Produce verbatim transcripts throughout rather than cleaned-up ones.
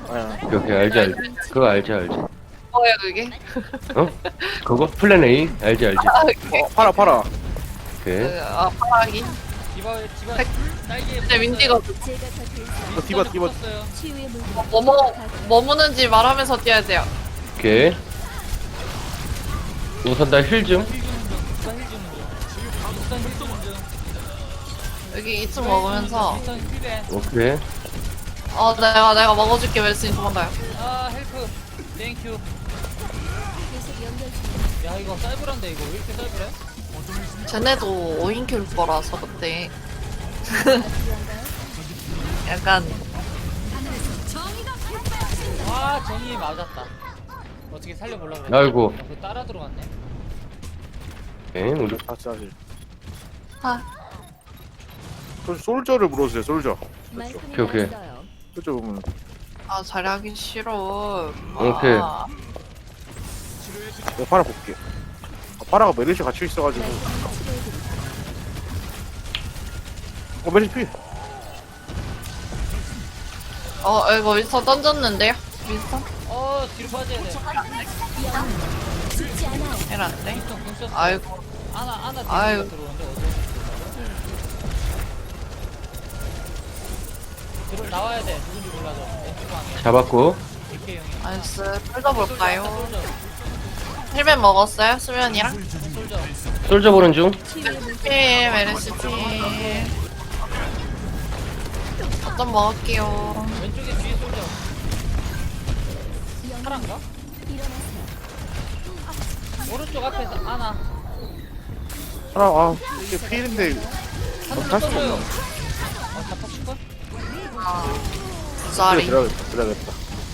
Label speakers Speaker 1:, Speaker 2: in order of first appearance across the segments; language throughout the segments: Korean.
Speaker 1: 아야.
Speaker 2: 오케이, 오케이, 알지, 알지. 그거 알지, 알지.
Speaker 3: 뭐야 그게?
Speaker 2: 어? 그거? 플랜 A? 알지, 알지.
Speaker 3: 아, 그게.
Speaker 1: 어, 팔아 팔아.
Speaker 2: 오케이.
Speaker 3: 그, 아 파랑이?
Speaker 4: 디바 디바
Speaker 3: 백-
Speaker 4: 딸기에
Speaker 3: 근데 윈디가
Speaker 1: 이거 디바 디바.
Speaker 3: 뭐 먹, 뭐 무는지 말하면서 뛰어야 돼요.
Speaker 2: 오케이. 우선 나 힐 좀.
Speaker 4: 힐 주는 중 우선 힐 주는 중 우선 힐 주는 중
Speaker 3: 여기 이 층 먹으면서
Speaker 4: 우선 힐벤
Speaker 2: 오케이.
Speaker 3: 어 내가 내가 먹어줄게 웰스님 도망가요.
Speaker 4: 아 헬프 땡큐 야 이거 쌀불한데 이거 왜 이렇게 쌀불해?
Speaker 3: 쟤네도 오인 킬 거라서 그때 약간
Speaker 4: 아 정이 맞았다 어떻게 살려보려고 그랬지?
Speaker 2: 아이고.
Speaker 4: 어, 그거 따라 들어갔네
Speaker 2: 오케이, 우리.
Speaker 1: 다시 다시.
Speaker 3: 아
Speaker 1: 솔- 솔저를 물어주세요. 솔저.
Speaker 2: 오케이, 오케이.
Speaker 1: 솔저 보면.
Speaker 3: 아 잘하기 싫어.
Speaker 2: 오케이.
Speaker 3: 아,
Speaker 1: 내가 팔아 볼게. 아, 파라가 메르시 같이 있어가지고. 어 메르시 피.
Speaker 3: 어 이거 윈스턴 던졌는데요? 윈스턴?
Speaker 4: 어 뒤로 빠져야 돼
Speaker 3: 이란데?
Speaker 4: 윈스턴 궁 썼어
Speaker 3: 아이고
Speaker 4: 아나 아나 뒤로
Speaker 3: 아이고.
Speaker 4: 들어오는데 어디 들어 나와야 돼 누군지 몰라서 왼쪽 방에
Speaker 2: 잡았고.
Speaker 4: 이렇게 형이
Speaker 3: 나이스 뜯어볼까요?
Speaker 4: 솔져
Speaker 3: 힐맨 먹었어요? 수면이랑?
Speaker 4: 솔져
Speaker 2: 솔져 보는 중.
Speaker 3: 필 메르시 필 어떤 먹을게요.
Speaker 4: 왼쪽에 뒤에 솔져 파란가? 오른쪽 앞에서 아나
Speaker 1: 파라 아 이게 필인데.
Speaker 4: 한번
Speaker 1: 할 수가
Speaker 4: 떠줘요
Speaker 1: 없나?
Speaker 4: 어 잡박칠걸?
Speaker 3: 아,
Speaker 1: 그래
Speaker 3: 쌀이.
Speaker 1: 들어야겠다. 들어야겠다.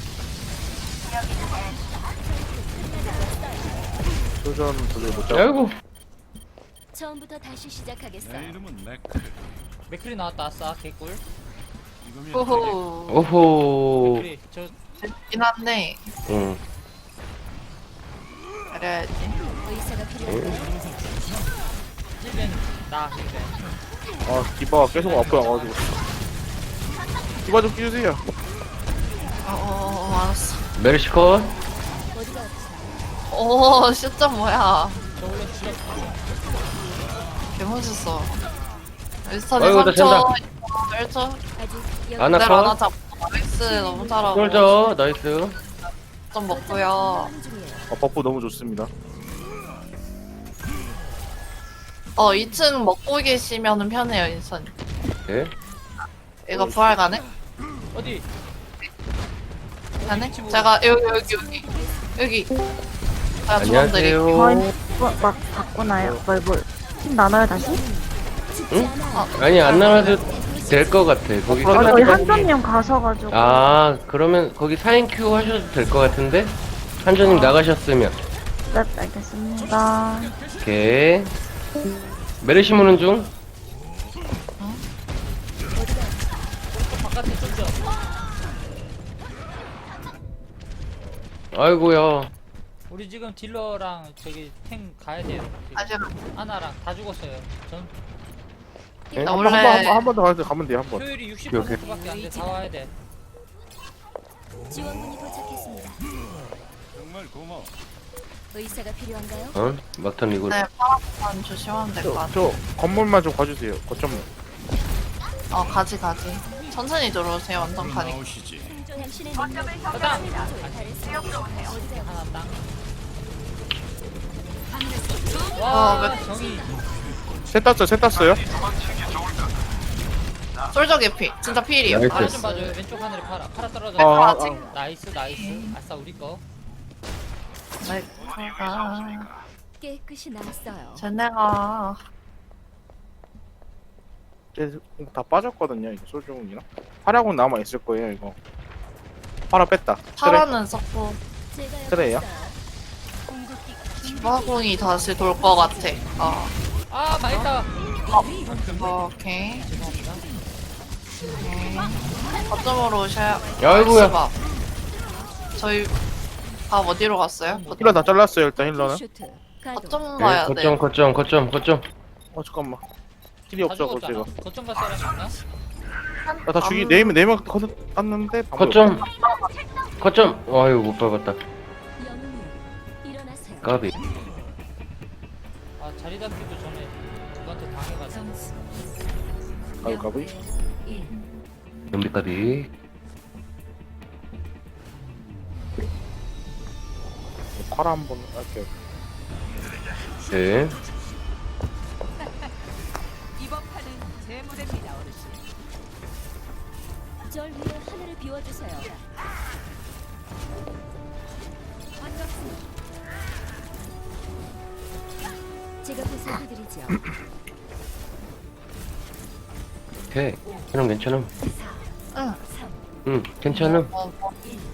Speaker 1: 솔저는 도저히 못 잡아.
Speaker 2: 아이고.
Speaker 5: 처음부터 다시 시작하겠어.
Speaker 4: 맥크리 나왔다 아싸 개꿀
Speaker 3: 호호.
Speaker 2: 오호.
Speaker 4: 맥크리 저
Speaker 3: 재밌긴 한데
Speaker 2: 응.
Speaker 3: 그래야지.
Speaker 5: 의사가 필요한가요?
Speaker 4: 힐벤 나 힐벤
Speaker 1: 아 디바가 계속 앞에 와가지고. 디바 좀 끼주세요.
Speaker 3: 어, 어, 어 알았어.
Speaker 2: 메르시 컷.
Speaker 5: 어디가 아프세요?
Speaker 3: 오 시점 뭐야?
Speaker 4: 저 원래 주력
Speaker 3: 개멋있어. 윈스턴이
Speaker 2: 아이고, 나
Speaker 3: 삼 초, 일 초.
Speaker 5: 아직 여기
Speaker 2: 아나
Speaker 3: 그대로 하나
Speaker 2: 컷.
Speaker 3: 잡고 나이스 너무 잘하고.
Speaker 2: 솔져. 나이스.
Speaker 3: 좀 먹고요.
Speaker 5: 하는 중이에요.
Speaker 1: 아 버프 너무 좋습니다.
Speaker 3: 어 이 층 먹고 계시면은 편해요 윈스턴.
Speaker 2: 오케이.
Speaker 3: 이거 부활 가네?
Speaker 4: 어디?
Speaker 3: 가네? 제가 여기 여기 여기 여기. 아 주원들이.
Speaker 2: 안녕하세요.
Speaker 6: 저희 뭐, 막 바꾸나요? 뭘, 뭘. 팀 나눠요, 다시?
Speaker 2: 응? 아니, 안 나와도 될 것 같아. 거기
Speaker 6: 아, 저희
Speaker 2: 끝났다.
Speaker 6: 한조님 가셔가지고.
Speaker 2: 아, 그러면 거기 사 인 큐 하셔도 될 것 같은데? 한조님 나가셨으면.
Speaker 6: 네, 알겠습니다.
Speaker 2: 오케이. 메르시 무는 중.
Speaker 4: 바깥에 솔져
Speaker 2: 아이고야.
Speaker 4: 우리 지금 딜러랑 저기 탱 가야 돼요 지금.
Speaker 3: 아직
Speaker 4: 아나랑 다 죽었어요 전
Speaker 2: 네?
Speaker 3: 나
Speaker 1: 한
Speaker 3: 원래
Speaker 1: 번 한 번 더 가면 돼 한 번.
Speaker 4: 효율이 육십
Speaker 2: 오케이, 오케이.
Speaker 4: 퍼센트밖에 안 돼 다 와야 돼
Speaker 5: 지원군이 도착했습니다. 의사가 필요한가요?
Speaker 2: 어? 막턴 이거.
Speaker 3: 네 파란만 조심하면 될 것
Speaker 1: 저,
Speaker 3: 같아.
Speaker 1: 저 건물만 좀 가주세요. 거점만.
Speaker 3: 어 가지 가지. 천천히 들어오세요 완전 가니.
Speaker 5: 당신의 능력이
Speaker 4: 가자
Speaker 5: 잘했어요.
Speaker 4: 하나 땅
Speaker 3: 어,
Speaker 4: 와
Speaker 3: 몇-
Speaker 4: 정이
Speaker 1: 셋 땄어요. 셋 땄어요.
Speaker 3: 솔저 개피. 진짜 필이요.
Speaker 2: 나이스.
Speaker 4: 파라 좀 봐줘요 왼쪽 하늘에 파라 파라 떨어져
Speaker 1: 아, 아,
Speaker 3: 아직?
Speaker 1: 아.
Speaker 4: 나이스 나이스 아싸 우리 거
Speaker 3: 메카가
Speaker 5: 깨끗이 나았어요.
Speaker 3: 쟤네가
Speaker 1: 쟤다 빠졌거든요. 이거 솔종이랑. 파라곤 남아 있을 거예요. 이거. 파라 뺐다. 그래.
Speaker 3: 파라는 썼고
Speaker 5: 제가 여기
Speaker 1: 그래요?
Speaker 5: 있어요. 궁극기
Speaker 3: 디바공이 다시 돌 것 같아. 어.
Speaker 4: 아 망했다
Speaker 3: 어, 오케이.
Speaker 4: 죄송합니다
Speaker 3: 오케이. 거점으로 오셔야.
Speaker 2: 아이고야.
Speaker 3: 나이스 밥. 저희 밥 어디로 갔어요?
Speaker 1: 힐러 다 잘랐어요. 일단 힐러는.
Speaker 5: 슈트 가동.
Speaker 3: 거점
Speaker 2: 네,
Speaker 3: 가야
Speaker 2: 거점,
Speaker 3: 돼.
Speaker 2: 거점, 거점, 거점.
Speaker 1: 어 잠깐만. 힐이
Speaker 4: 다
Speaker 1: 없어
Speaker 4: 죽었잖아
Speaker 1: 제가.
Speaker 4: 거점 갈 사람 있나?
Speaker 1: 아, 다 죽이 네명 네명 컷 땄는데 방금
Speaker 2: 거점. 거점. 아유 못 밟았다.
Speaker 5: 영웅님, 일어나세요.
Speaker 2: 까비.
Speaker 4: 아 자리 잡기도 전에 누구한테 당해가지고.
Speaker 5: 점수
Speaker 1: 가위 가위.
Speaker 5: 일.
Speaker 2: 연비 까비.
Speaker 1: 파라 한번 할게요.
Speaker 2: 네.
Speaker 7: 이번 판은 제 무대입니다, 어르신.
Speaker 5: 절 위에 하늘을 비워주세요. 반갑습니다. 제가 보살펴드리죠.
Speaker 2: 오케이. 그럼 괜찮음.
Speaker 3: 응.
Speaker 2: 응 괜찮음.
Speaker 3: 어, 어.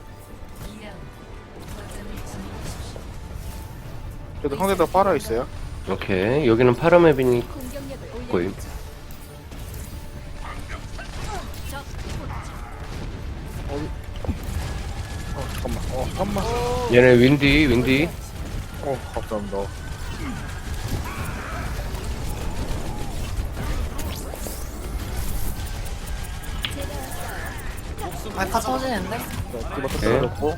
Speaker 1: 그래도 상대도 파라 있어요.
Speaker 2: 오케이. 여기는 파라맵이니
Speaker 5: 공격력을
Speaker 2: 거의.
Speaker 5: 올려주죠.
Speaker 1: 어 잠깐만. 어 잠깐만.
Speaker 2: 얘네 윈디 윈디.
Speaker 1: 어 감사합니다.
Speaker 3: 말카 터지는데?
Speaker 1: 디바
Speaker 2: 네.
Speaker 1: 터뜨렸고.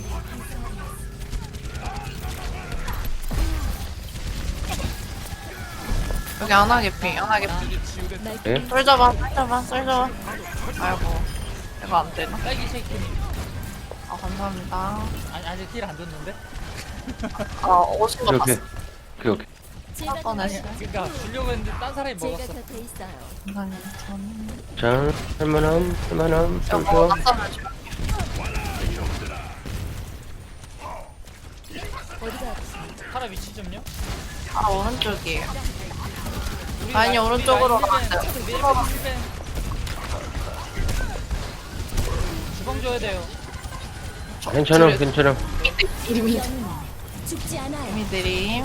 Speaker 3: 여기 안 하게피, 안 하게피.
Speaker 2: 네.
Speaker 3: 쏠져봐, 쏠져봐, 쏠져봐. 아이고, 이거 안 되나?
Speaker 4: 딸기 쉐이크님.
Speaker 3: 아, 감사합니다.
Speaker 4: 아니 아직 힐 안 줬는데?
Speaker 3: 아, 오신 거
Speaker 2: 오케이
Speaker 3: 봤어.
Speaker 2: 오케이 오케이.
Speaker 5: 제가
Speaker 3: 할 뻔했어.
Speaker 4: 그러니까 주려고 했는데 딴 사람이
Speaker 5: 제가
Speaker 4: 먹었어.
Speaker 5: 곁에 있어요.
Speaker 3: 감사합니다. 저는
Speaker 2: 자 할만함 할만함. 좀
Speaker 3: 이거
Speaker 2: 좋아.
Speaker 3: 낯설을 줄.
Speaker 5: 어디가
Speaker 4: 파라 위치 좀요.
Speaker 3: 아, 오른쪽이에요.
Speaker 4: 우리
Speaker 3: 아니,
Speaker 4: 라인- 우리
Speaker 3: 오른쪽으로
Speaker 4: 라인
Speaker 3: 가면
Speaker 4: 힐벤,
Speaker 3: 돼.
Speaker 4: 힐벤, 힐벤. 주방 줘야 돼요.
Speaker 2: 괜찮음 괜찮음.
Speaker 3: 이름이,
Speaker 5: 영웅 죽지 않아요.
Speaker 3: 이름이 드림.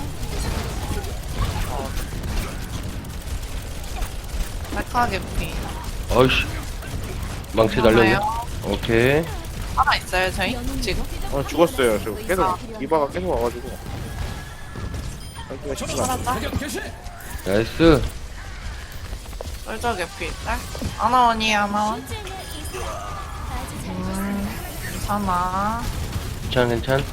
Speaker 3: 말카 게피.
Speaker 2: 어이씨. 망치 날렸네.
Speaker 3: 하나요?
Speaker 2: 오케이.
Speaker 3: 하나 있어요, 저희? 지금?
Speaker 1: 어 죽었어요. 저 계속 디바가 계속 와가지고. 아이고 쉽지 않아.
Speaker 3: 살았다.
Speaker 2: 나이스.
Speaker 3: 쏠져 게피. 딸? 아나원이 아나원.
Speaker 5: 아주 잘
Speaker 3: 음, 괜찮아.
Speaker 2: 괜찮 괜찮.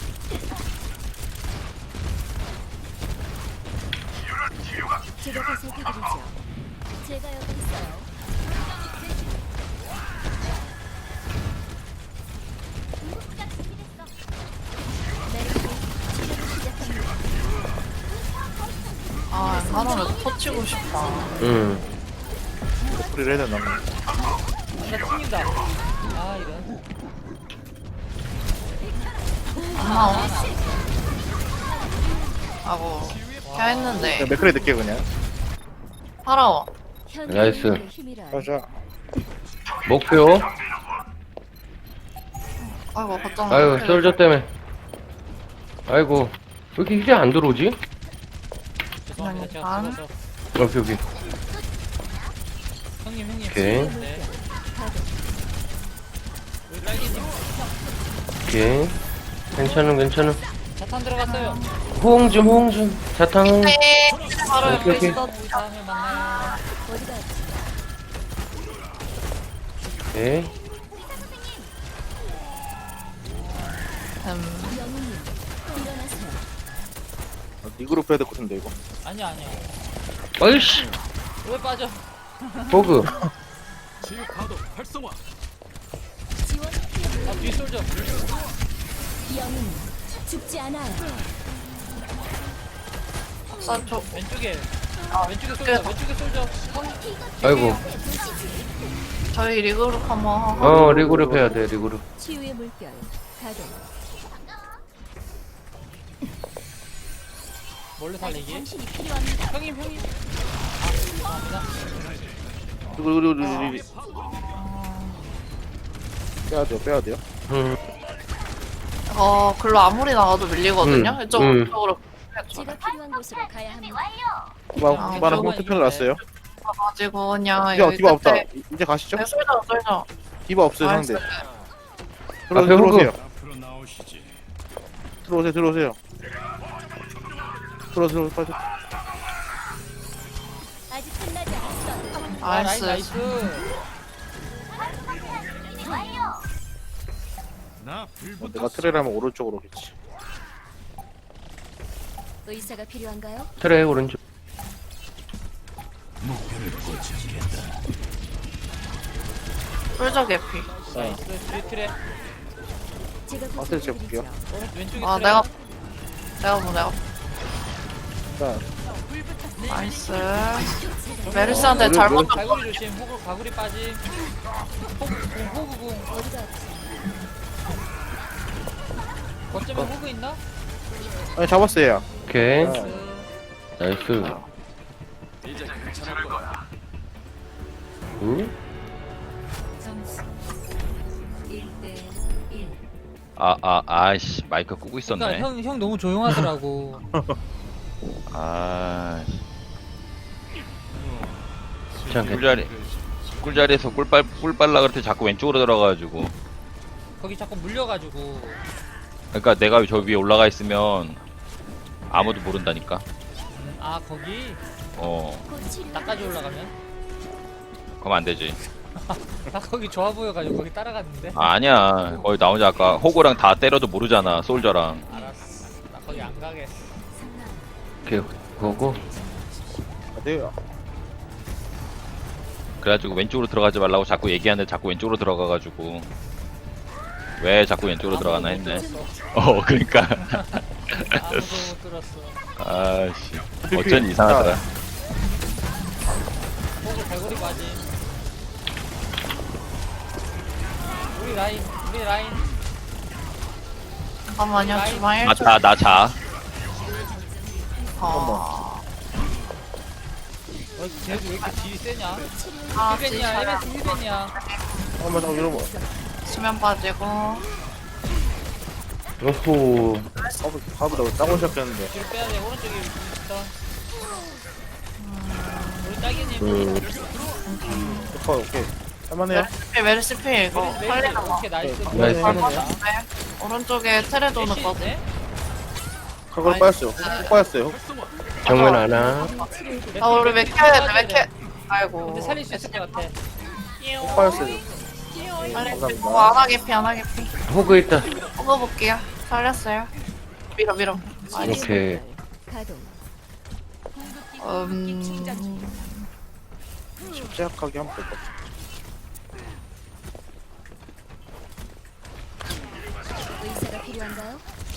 Speaker 5: 제가 보살펴드리죠. 제가 여기 있어요. 메르시 치료를 시작합니다.
Speaker 3: 아, 하나를 터치고 싶다.
Speaker 2: 응.
Speaker 1: 프리를 해야 되나?
Speaker 4: 나 튕긴다. 아 이런.
Speaker 3: 아나원. 하고, 켜 했는데.
Speaker 1: 그냥 맥크리 늦게 그냥.
Speaker 3: 파라워.
Speaker 2: 나이스.
Speaker 5: 현대인의 힘이란
Speaker 1: 가자.
Speaker 2: 목표.
Speaker 3: 아이고, 걱정.
Speaker 2: 아유 솔저 때문에. 아이고 왜 이렇게 힐이 안 들어오지?
Speaker 4: 죄송합니다. 제가
Speaker 3: 아.
Speaker 4: 죽어서.
Speaker 2: 오케이 오케이.
Speaker 4: 형님 형님.
Speaker 2: 오케이.
Speaker 4: 네.
Speaker 5: 가동.
Speaker 4: 우리 딸기님
Speaker 2: 오케이. 괜찮음 괜찮음.
Speaker 4: 자탄 들어갔어요.
Speaker 2: 호응 좀 호응 좀. 자탕 호응.
Speaker 3: 네, 바로
Speaker 2: 오케이,
Speaker 3: 옆에
Speaker 2: 오케이.
Speaker 3: 있어.
Speaker 4: 우리 다음에 만나요.
Speaker 5: 어디가
Speaker 2: 오케이.
Speaker 3: 음,
Speaker 5: 영웅님 일어나세요.
Speaker 1: 리그룹 해야 될 것 같은데 이거.
Speaker 4: 아니야 아니야.
Speaker 2: 어이씨.
Speaker 4: 왜 빠져?
Speaker 2: 호그.
Speaker 5: 지원
Speaker 4: 아 뒤 솔져.
Speaker 5: 영웅 죽지 않아요.
Speaker 3: 선 쪽.
Speaker 4: 왼쪽에.
Speaker 3: 아,
Speaker 4: 왼쪽에
Speaker 3: 그래.
Speaker 4: 솔져. 왼쪽에 솔져.
Speaker 2: 아이고.
Speaker 3: 저희 리그룹 한번 하고.
Speaker 2: 어 리그룹 해야 돼 리그룹.
Speaker 5: 치유의 물결 가동.
Speaker 4: 뭘로 살리기?
Speaker 5: 당신이 필요합니다.
Speaker 4: 형님 형님. 아 죄송합니다.
Speaker 1: 그리고 그리고 그리고 빼야 돼요. 빼야 돼요.
Speaker 2: 음.
Speaker 3: 어, 글로 아무리 나가도 밀리거든요.
Speaker 2: 음,
Speaker 3: 이쪽,
Speaker 2: 음.
Speaker 3: 이쪽으로.
Speaker 5: 제가 필요한 곳으로 가야 합니다.
Speaker 1: 디바
Speaker 3: 아,
Speaker 1: 디바는
Speaker 4: 이쪽은
Speaker 1: 홀트편을 놨어요.
Speaker 3: 가지고 그냥
Speaker 1: 디바
Speaker 3: 여기
Speaker 1: 디바 없다.
Speaker 3: 끝에.
Speaker 1: 이- 이제 가시죠.
Speaker 3: 네, 쏠져, 쏠져.
Speaker 1: 디바 없어요
Speaker 3: 나이스.
Speaker 1: 상대. 들어
Speaker 2: 앞에
Speaker 1: 들어오세요.
Speaker 2: 호그.
Speaker 1: 들어오세요. 들어오세요. 들어 들어 빠져.
Speaker 5: 아직 끝나지 않았어요.
Speaker 4: 아
Speaker 3: 나이스.
Speaker 4: 나이스 나이스.
Speaker 1: 뭐 내가 트레라면 오른쪽으로 오겠지.
Speaker 5: 의사가 필요한가요?
Speaker 2: 트레 오른쪽.
Speaker 3: 꿀적 개피.
Speaker 4: 나이스. 뒤에 트레.
Speaker 5: 제가
Speaker 1: 어떻게 재볼게요?
Speaker 5: 보살펴드리죠.
Speaker 4: 오른 왼쪽에
Speaker 3: 아
Speaker 4: 트레.
Speaker 3: 내가 내가 뭐 내가
Speaker 1: 자,
Speaker 3: 나이스. 메르시한테 잘
Speaker 1: 메르-
Speaker 3: 먼저
Speaker 4: 가구리 조심. 호구 가구리 빠짐. 호구궁 호구궁.
Speaker 5: 어디가
Speaker 4: 거점에 호구 있나?
Speaker 1: 아니 잡았어요.
Speaker 2: 오케이.
Speaker 1: 아,
Speaker 2: 나이스. 응?
Speaker 8: 아, 아, 아이씨, 마이크 끄고 있었네.
Speaker 4: 그러니까 형, 형 너무 조용하더라고.
Speaker 8: 아,
Speaker 2: 귀찮게.
Speaker 8: 꿀자리, 꿀자리에서 꿀빨, 꿀빨라 그럴 때 자꾸 왼쪽으로 들어가가지고.
Speaker 4: 거기 자꾸 물려가지고.
Speaker 8: 그러니까 내가 저 위에 올라가 있으면 아무도 모른다니까.
Speaker 4: 음, 아 거기
Speaker 8: 어,
Speaker 5: 곧 치료.
Speaker 4: 나까지 올라가면?
Speaker 8: 그럼 안 되지.
Speaker 4: 나 거기 좋아 보여가지고 거기 따라갔는데.
Speaker 8: 아, 아니야. 거기 나 혼자 아까 호구랑 다 때려도 모르잖아, 솔저랑.
Speaker 4: 알았어. 나 거기 안 가겠어.
Speaker 2: 오케이. 그거고.
Speaker 1: 어디요?
Speaker 8: 그래가지고 왼쪽으로 들어가지 말라고 자꾸 얘기하는데 자꾸 왼쪽으로 들어가가지고. 왜 자꾸 왼쪽으로 들어가나 했네. 어, 그러니까.
Speaker 4: 아무도 못 들었어.
Speaker 8: 아씨, 어쩐지 이상하더라.
Speaker 4: 호구 갈고리 맞이. 우리 라인, 우리 라인.
Speaker 3: 잠깐만요. 주방 일
Speaker 8: 나
Speaker 3: 초.
Speaker 8: 자, 나 자.
Speaker 3: 어.
Speaker 4: 어, 쟤도 왜 이렇게 딜이 세냐?
Speaker 3: 아
Speaker 4: 힐벤이야,
Speaker 3: 진짜
Speaker 4: 에메스 힐벤이야.
Speaker 1: 잠깐만 잠깐 이러면
Speaker 3: 수면 빠지고.
Speaker 2: 오호.
Speaker 1: 밥을 밥을 나 따고 시작했는데.
Speaker 4: 뒤로 빼야 돼. 오른쪽에 있어. 우리 딸기님.
Speaker 2: 음.
Speaker 1: 오빠 오케이. 할만해요?
Speaker 3: 메르시피 메르시피 이거
Speaker 4: 메리스,
Speaker 3: 살리는 거.
Speaker 4: 오케이, 나이스.
Speaker 2: 나이스.
Speaker 3: 네. 오른쪽에 테레 도는 거.
Speaker 4: 애쉬인데?
Speaker 1: 그걸 빠졌어요. 꼭 빠졌어요.
Speaker 2: 정면 하나.
Speaker 3: 아 우리 맥켜야 돼, 맥켜. 아이고.
Speaker 4: 근데 살릴 수 있을 것 같아.
Speaker 1: 꼭 빠졌어요.
Speaker 3: 살릴 수
Speaker 1: 감사합니다.
Speaker 3: 있고 하나 개피 하나 개피.
Speaker 2: 호그 있다.
Speaker 3: 뽑아볼게요. 살렸어요. 밀어 밀어. 나이스.
Speaker 2: 오케이.
Speaker 5: 가동.
Speaker 3: 음.
Speaker 1: 침착하게 하면 될 것 같아.
Speaker 5: 의사가 필요한가요?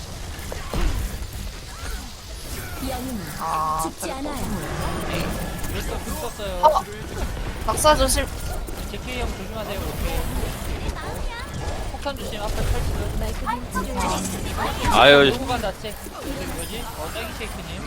Speaker 5: 영웅은
Speaker 3: 아.
Speaker 5: 죽지 않아요.
Speaker 4: 그래서 불 썼어요.
Speaker 3: 어. 낙사 조심.
Speaker 4: 제키 형 조심하세요. 이렇게. 폭탄 조심. 앞에 펼치고.
Speaker 5: 말끔히 치료해드리죠.
Speaker 8: 아유,
Speaker 4: 누구 간다, 체. 뭐지? 어, 딸기 쉐이크님.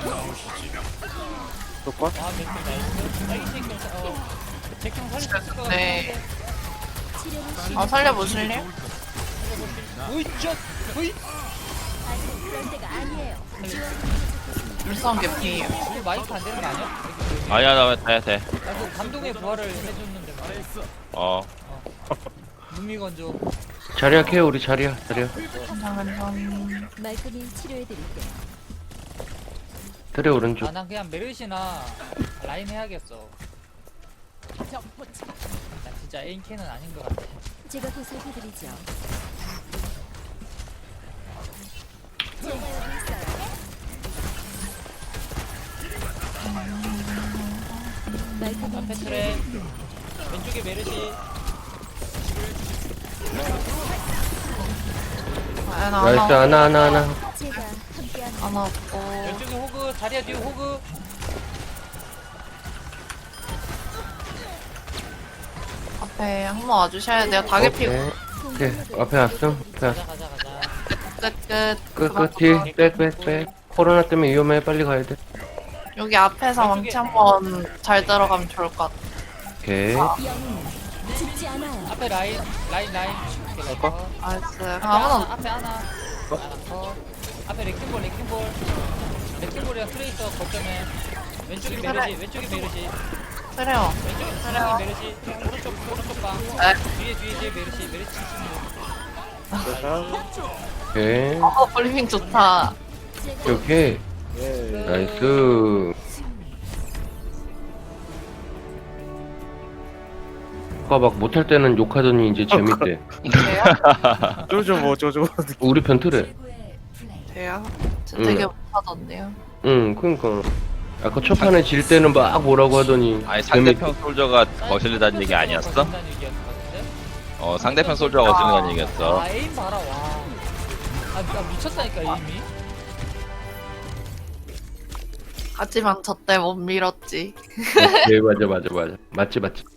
Speaker 1: 좋고.
Speaker 4: 아, 맥주 나이스. 딸기 쉐이크, 어. 제키 형 살릴 수 있을 것 같아.
Speaker 3: 네.
Speaker 5: 치료를
Speaker 3: 아 살려보실래요?
Speaker 4: 오이쩌! 오이!
Speaker 5: 아직 그럴 때가 아니에요.
Speaker 3: 물성 개피.
Speaker 4: 이거 마이크 안 되는 거 아니야?
Speaker 8: 아니야, 나 돼, 돼.
Speaker 4: 나그 감동의 부활을 해줬는데 말이야.
Speaker 8: 어,
Speaker 4: 무미건조.
Speaker 2: 자리야 케어 우리 자리야. 자리야.
Speaker 3: 괜찮은
Speaker 5: 말끔히 치료해드릴게요.
Speaker 2: 트레 오른쪽.
Speaker 4: 아, 난 그냥 메르시나 라인 해야겠어. 난 진짜 에인캐는 아닌 것 같아.
Speaker 5: 제가 보살펴드리죠. 제가 여기 있어요. 말끔히
Speaker 4: 앞에
Speaker 5: 치료해.
Speaker 4: 트레, 왼쪽에 메르시.
Speaker 3: 아, 나
Speaker 2: 나이스
Speaker 3: 하나
Speaker 2: 하나 하나 하나.
Speaker 5: 제가 함께하는
Speaker 3: 하나 없고.
Speaker 4: 왼쪽에 호그, 자리야 뒤에 호그.
Speaker 3: 앞에 한번 와주셔야 돼요. 다 개피.
Speaker 2: 오케이. 오케이. 앞에 왔음. 앞에 왔음.
Speaker 4: 가자, 가자, 가자.
Speaker 3: 끝 끝.
Speaker 2: 끝 끝이 백백백. 코로나 때문에 위험해. 빨리 가야 돼.
Speaker 3: 여기 앞에서 왕치 한번 잘 들어가면 좋을 것 같아.
Speaker 2: 오케이.
Speaker 5: 영웅은 죽지 않아요.
Speaker 4: 앞에 라인, 라인, 라인. 오케이, 라인 컷.
Speaker 3: 나이스.
Speaker 4: 앞에
Speaker 3: 그럼 아무나
Speaker 4: 하나, 앞에 하나. 하나 컷. 앞에 레킹볼, 레킹볼. 레킹볼이랑 트레이서 거점에. 왼쪽에 메르시, 왼쪽에 메르시.
Speaker 3: 때려.
Speaker 4: 왼쪽에
Speaker 3: 그래요.
Speaker 4: 메르시. 오른쪽, 오른쪽 방.
Speaker 3: 네.
Speaker 4: 뒤에, 뒤에, 뒤에 메르시, 메르시 치시는
Speaker 1: 자,
Speaker 2: 오케이.
Speaker 3: 어 브리핑 좋다.
Speaker 5: 제가
Speaker 2: 오케이.
Speaker 1: 예.
Speaker 2: 나이스. 아까 막 못할 때는 욕하더니 이제 재밌대.
Speaker 3: 돼요?
Speaker 1: 쪼쪼 뭐 쪼쪼.
Speaker 2: 우리 편 틀에.
Speaker 3: 돼요? 저
Speaker 2: 응.
Speaker 3: 되게 못하던데요.
Speaker 2: 응, 그니까. 아까 첫 판에 질 때는 막 뭐라고 하더니.
Speaker 8: 아니
Speaker 2: 재밌-
Speaker 8: 상대편 솔저가 거슬리다는 얘기 아니었어?
Speaker 4: 거슬린다는 얘기였던 것 같은데?
Speaker 8: 어 상대편 솔저가 거슬리다는 얘기였어.
Speaker 4: 아 에임 봐라 와. 아, 나 미쳤다니까 에임이.
Speaker 3: 하지만 저 때 못 밀었지.
Speaker 2: 네, 맞아, 맞아, 맞아. 맞지, 맞지.